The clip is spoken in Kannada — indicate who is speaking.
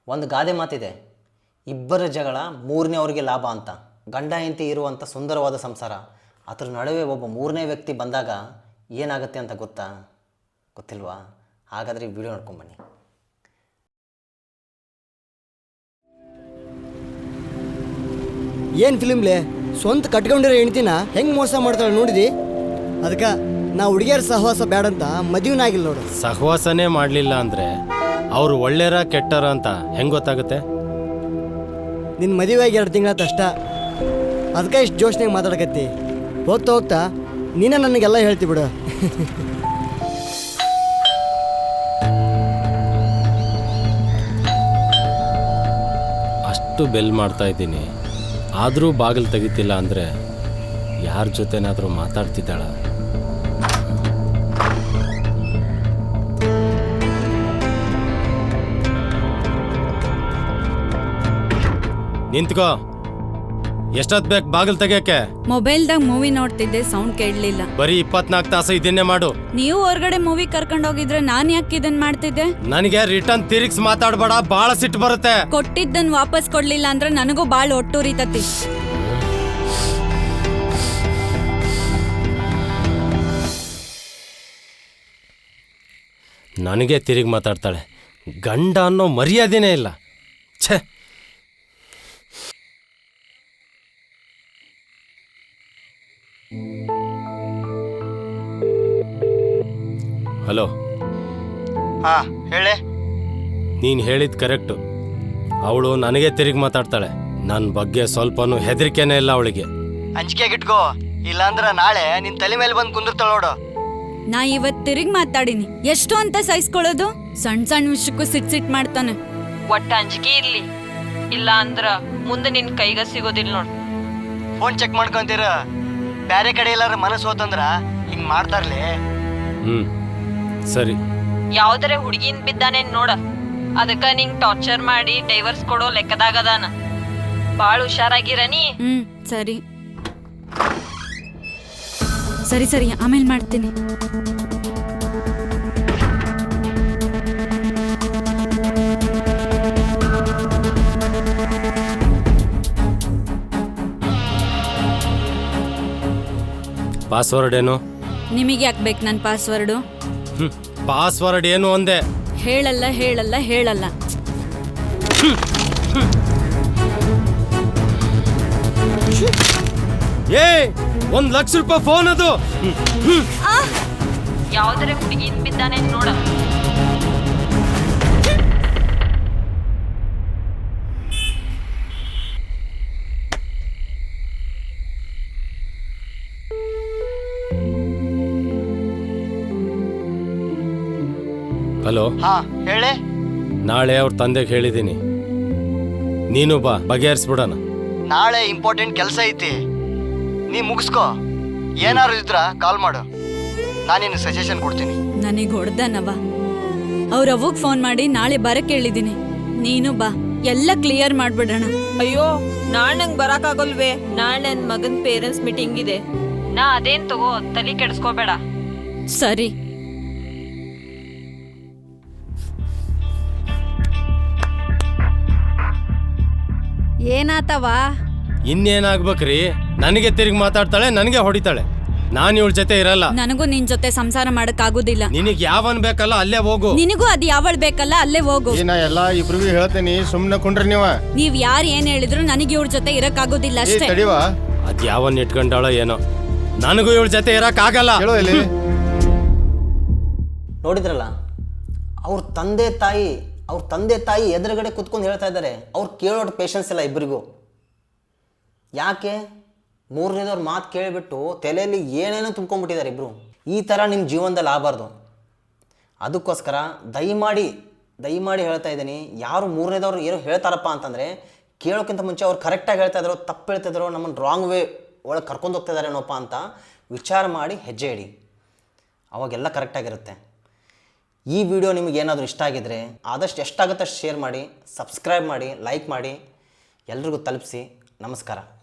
Speaker 1: ಒಂದು ಗಾದೆ ಮಾತಿದೆ, ಇಬ್ಬರ ಜಗಳ ಮೂರನೇವರಿಗೆ ಲಾಭ ಅಂತ. ಗಂಡ ಹೆಂಡತಿ ಇರುವಂಥ ಸುಂದರವಾದ ಸಂಸಾರ, ಅದರ ನಡುವೆ ಒಬ್ಬ ಮೂರನೇ ವ್ಯಕ್ತಿ ಬಂದಾಗ ಏನಾಗುತ್ತೆ ಅಂತ ಗೊತ್ತಿಲ್ವಾ? ಹಾಗಾದರೆ ಈ ವಿಡಿಯೋ ನೋಡ್ಕೊಂಬನ್ನಿ.
Speaker 2: ಏನು ಫಿಲ್ಮ್ಲೆ ಸ್ವಂತ ಕಟ್ಕೊಂಡಿರೋ ಹೆಣ್ತಿನ ಹೆಂಗೆ ಮೋಸ ಮಾಡ್ತಾಳೆ ನೋಡಿದಿ? ಅದಕ್ಕೆ ನಾ ಹುಡುಗಿಯರ ಸಹವಾಸ ಬೇಡಂತ ಮದುವೆನ ಆಗಿಲ್ಲ ನೋಡು.
Speaker 3: ಸಹವಾಸನೇ ಮಾಡಲಿಲ್ಲ ಅಂದರೆ ಅವರು ಒಳ್ಳೆಯರ ಕೆಟ್ಟರ ಅಂತ ಹೆಂಗೆ ಗೊತ್ತಾಗುತ್ತೆ?
Speaker 2: ನಿನ್ನ ಮದುವೆ ಆಗಿ 2 ತಿಂಗಳಾತ ಅಷ್ಟ, ಅದಕ್ಕೆ ಇಷ್ಟು ಜೋಶ್ನಾಗ ಮಾತಾಡಕತ್ತಿ. ಹೋಗ್ತಾ ಹೋಗ್ತಾ ನೀನೇ ನನಗೆಲ್ಲ ಹೇಳ್ತಿ ಬಿಡು.
Speaker 3: ಅಷ್ಟು ಬೆಲ್ ಮಾಡ್ತಾ ಇದ್ದೀನಿ, ಆದರೂ ಬಾಗಿಲು ತೆಗಿತಿಲ್ಲ ಅಂದರೆ ಯಾರ ಜೊತೆನಾದರೂ ಮಾತಾಡ್ತಿದ್ದಾಳ? ನಿಂತ್ಕೋ. ಎಷ್ಟೊತ್ತು ಬೇಕು ಬಾಗಿಲು ತೆಗಿಯಕ್ಕೆ?
Speaker 4: ಮೊಬೈಲ್ದಾಗ ಮೂವಿ ನೋಡ್ತಿದ್ದೆ, ಸೌಂಡ್ ಕೇಳಲಿಲ್ಲ.
Speaker 3: ಬರೀ 24 ತಾಸು ಇದನ್ನೇ ಮಾಡು.
Speaker 4: ನೀವು ಹೊರಗಡೆ ಮೂವಿ ಕರ್ಕೊಂಡೋಗಿದ್ರೆ ನಾನು ಯಾಕೆ ಇದನ್ನ ಮಾಡ್ತಿದ್ದೆ?
Speaker 3: ನನಗೆ ರಿಟರ್ನ್ ತಿರುಗಿಸಿ ಮಾತಾಡಬೇಡ, ಭಾಳ ಸಿಟ್ಟು ಬರುತ್ತೆ.
Speaker 4: ಕೊಟ್ಟಿದ್ದನ್ ವಾಪಸ್ ಕೊಡ್ಲಿಲ್ಲ ಅಂದ್ರೆ ನನಗೂ ಬಾಳ್ ಒಟ್ಟುರಿತತಿ.
Speaker 3: ನನಗೆ ತಿರುಗಿ ಮಾತಾಡ್ತಾಳೆ. ಗಂಡ ಅನ್ನೋ ಮರ್ಯಾದೆನೇ ಇಲ್ಲ. ಛೇ, ಹಲೋ.
Speaker 2: ಹಾಂ ಹೇಳೆ.
Speaker 3: ನೀನು ಹೇಳಿದ್ದು ಕರೆಕ್ಟು. ಅವಳು ನನಗೆ ತಿರುಗಿ ಮಾತಾಡ್ತಾಳೆ. ನನ್ನ ಬಗ್ಗೆ ಸ್ವಲ್ಪನೂ ಹೆದರಿಕೆನೇ ಇಲ್ಲ ಅವಳಿಗೆ.
Speaker 2: ಅಂಜಿಕೆಗಿಟ್ಕೋ, ಇಲ್ಲಾಂದ್ರೆ ನಾಳೆ ನಿನ್ನ ತಲೆ ಮೇಲೆ ಬಂದು ಕುಂದಿರ್ತಾಳ ನೋಡು.
Speaker 4: ನಾ ಇವತ್ ತಿರುಗಿ ಮಾತಾಡಿನಿ, ಎಷ್ಟು ಅಂತ ಸಹಿಸ್ಕೊಳ್ಳೋದು? ಸಣ್ಣ ಸಣ್ಣ ವಿಷಯಕ್ಕೂ ಸಿಟ್ ಮಾಡ್ತಾನೆ.
Speaker 5: ಒಟ್ಟ ಅಂಜಿಕೆ ಇರ್ಲಿ, ಇಲ್ಲ ಅಂದ್ರ ಮುಂದೆ ನಿನ್ ಕೈಗ ಸಿಗೋದಿಲ್ಲ ನೋಡ್.
Speaker 2: ಫೋನ್ ಚೆಕ್ ಮಾಡ್ಕೊಂತೀರ, ಬೇರೆ ಕಡೆ ಎಲ್ಲಾರ ಮನಸ್ಸು ಹೋತಂದ್ರ ಹಿಂಗ್ ಮಾಡ್ತಾರ್ಲಿ.
Speaker 3: ಸರಿ.
Speaker 5: ಯಾವ್ದಾರೆ ಹುಡುಗಿನ್ ಬಿದ್ದಾನೇನ್ ನೋಡ, ಅದಕ್ಕ ನಿಂಗ್ ಟಾರ್ಚರ್ ಮಾಡಿ ಡೈವರ್ಸ್ ಕೊಡೋ ಲೆಕ್ಕದಾಗದಾನ. ಬಾಳ್ ಹುಷಾರಾಗಿರನಿ.
Speaker 4: ಸರಿ ಸರಿ ಸರಿ, ಆಮೇಲೆ ಮಾಡ್ತೀನಿ.
Speaker 3: ಪಾಸ್ವರ್ಡ್ ಏನು?
Speaker 4: ನಿಮಗೆ ಯಾಕೆ ಬೇಕು ನನ್ನ ಪಾಸ್ವರ್ಡು?
Speaker 3: ಪಾಸ್ವರ್ಡ್ ಏನು ಅಂದೆ?
Speaker 4: ಹೇಳಲ್ಲ ಹೇಳಲ್ಲ ಹೇಳಲ್ಲ.
Speaker 3: ಏ, 1 ಲಕ್ಷ ರೂಪಾಯಿ ಫೋನ್ ಅದು.
Speaker 5: ಯಾವ್ದಾರೆ ಹುಡುಗಿನ್ ಬಿದ್ದಾನೇನ್ ನೋಡ.
Speaker 3: ಹಲೋ.
Speaker 2: ಹಾ ಹೇಳೆ.
Speaker 3: ನಾಳೆ ಅವ್ರ ತಂದೆಗೆ ಹೇಳಿದ್ದೀನಿ, ನೀನು ಬಾ, ಬಗೆಹರಿಸ್ಬಿಡೋಣ.
Speaker 2: ನಾಳೆ ಇಂಪಾರ್ಟೆಂಟ್ ಕೆಲಸ ಐತಿ, ನೀ ಮುಗಿಸ್ಕೋ. ಏನಾರು ಇದ್ರ ಕಾಲ್ ಮಾಡು, ನಾನೇನು ಸಜೆಷನ್ ಕೊಡ್ತೀನಿ.
Speaker 4: ನನಗೆ ಹೊಡ್ದನವ. ಅವ್ರ ಅವ್ವಗ್ ಫೋನ್ ಮಾಡಿ ನಾಳೆ ಬರಕ್ಕೆ ಹೇಳಿದೀನಿ, ನೀನು ಬಾ, ಎಲ್ಲ ಕ್ಲಿಯರ್ ಮಾಡ್ಬಿಡೋಣ.
Speaker 5: ಅಯ್ಯೋ, ನಾಳೆ ನಂಗೆ ಬರಕಾಗಲ್ವೇ? ನಾಳೆ ನನ್ ಮಗನ್ ಪೇರೆಂಟ್ಸ್ ಮೀಟಿಂಗ್ ಇದೆ. ನಾ ಅದೇನ್ ತಗೋ, ತಲೆ ಕೆಡಿಸ್ಕೋಬೇಡ.
Speaker 4: ಸರಿ. ಏನಾತವಾ?
Speaker 3: ಇನ್ನೇನಾಗ್ಬೇಕ್ರಿ? ನನಗೆ ತಿರುಗಿ ಮಾತಾಡ್ತಾಳೆ, ನನಗೆ ಹೊಡಿತಾಳೆ. ನಾನು ಇವಳ ಜೊತೆ ಇರಲ್ಲ.
Speaker 4: ನನಗೂ ನಿನ್ ಜೊತೆ ಸಂಸಾರ ಮಾಡಕ್ ಆಗುದಿಲ್ಲ.
Speaker 3: ನಿನಗೆ ಯಾವನ್ ಬೇಕಲ್ಲ ಅಲ್ಲೇ ಹೋಗು.
Speaker 4: ನಿನಗೂ ಅದ್ ಯಾವಳ್ ಬೇಕಲ್ಲ ಅಲ್ಲೇ ಹೋಗು.
Speaker 6: ನಾ ಎಲ್ಲ ಇಬ್ರಿಗೂ ಹೇಳ್ತೇನಿ, ಸುಮ್ನೆ ಕುಂಡ್ರಿ
Speaker 4: ನೀವ್ ಯಾರು ಏನ್ ಹೇಳಿದ್ರು ನನಗೆ ಇವ್ರ ಜೊತೆ ಇರಕ್ ಆಗುದಿಲ್ಲ ಅಷ್ಟೇ.
Speaker 3: ಅದ್ ಯಾವನ್ ಇಟ್ಕೊಂಡಾಳೋ ಏನೋ, ನನಗೂ ಇವಳ ಜೊತೆ ಇರಕ್ ಆಗಲ್ಲ.
Speaker 1: ನೋಡಿದ್ರಲ್ಲ, ಅವ್ರ ತಂದೆ ತಾಯಿ ಎದುರುಗಡೆ ಕುತ್ಕೊಂಡು ಹೇಳ್ತಾ ಇದ್ದಾರೆ. ಅವ್ರು ಕೇಳೋದು ಪೇಷನ್ಸ್ ಇಲ್ಲ ಇಬ್ಬರಿಗೂ. ಯಾಕೆ? ಮೂರನೇದವ್ರ ಮಾತು ಕೇಳಿಬಿಟ್ಟು ತಲೆಯಲ್ಲಿ ಏನೇನೋ ತುಂಬ್ಕೊಂಡ್ಬಿಟ್ಟಿದ್ದಾರೆ ಇಬ್ಬರು. ಈ ಥರ ನಿಮ್ಮ ಜೀವನದಲ್ಲಿ ಆಗಬಾರ್ದು. ಅದಕ್ಕೋಸ್ಕರ ದಯಮಾಡಿ ಹೇಳ್ತಾ ಇದ್ದೀನಿ, ಯಾರು ಮೂರನೇದವ್ರು ಏನೋ ಹೇಳ್ತಾರಪ್ಪ ಅಂತಂದರೆ ಕೇಳೋಕ್ಕಿಂತ ಮುಂಚೆ ಅವ್ರು ಕರೆಕ್ಟಾಗಿ ಹೇಳ್ತಾ ಇದ್ರು, ತಪ್ಪು ಹೇಳ್ತಿದ್ರು, ನಮ್ಮನ್ನು ರಾಂಗ್ ವೇ ಒಳಗೆ ಕರ್ಕೊಂಡು ಹೋಗ್ತಾ ಇದ್ದಾರೇನೋಪ್ಪ ಅಂತ ವಿಚಾರ ಮಾಡಿ ಹೆಜ್ಜೆ ಇಡಿ. ಅವಾಗೆಲ್ಲ ಕರೆಕ್ಟಾಗಿರುತ್ತೆ. ಈ ವಿಡಿಯೋ ನಿಮಗೆ ಏನಾದರೂ ಇಷ್ಟ ಆಗಿದ್ರೆ ಆದಷ್ಟು ಎಷ್ಟಾಗುತ್ತೆ ಅಷ್ಟು ಶೇರ್ ಮಾಡಿ, ಸಬ್ಸ್ಕ್ರೈಬ್ ಮಾಡಿ, ಲೈಕ್ ಮಾಡಿ, ಎಲ್ರಿಗೂ ತಲುಪಿಸಿ. ನಮಸ್ಕಾರ.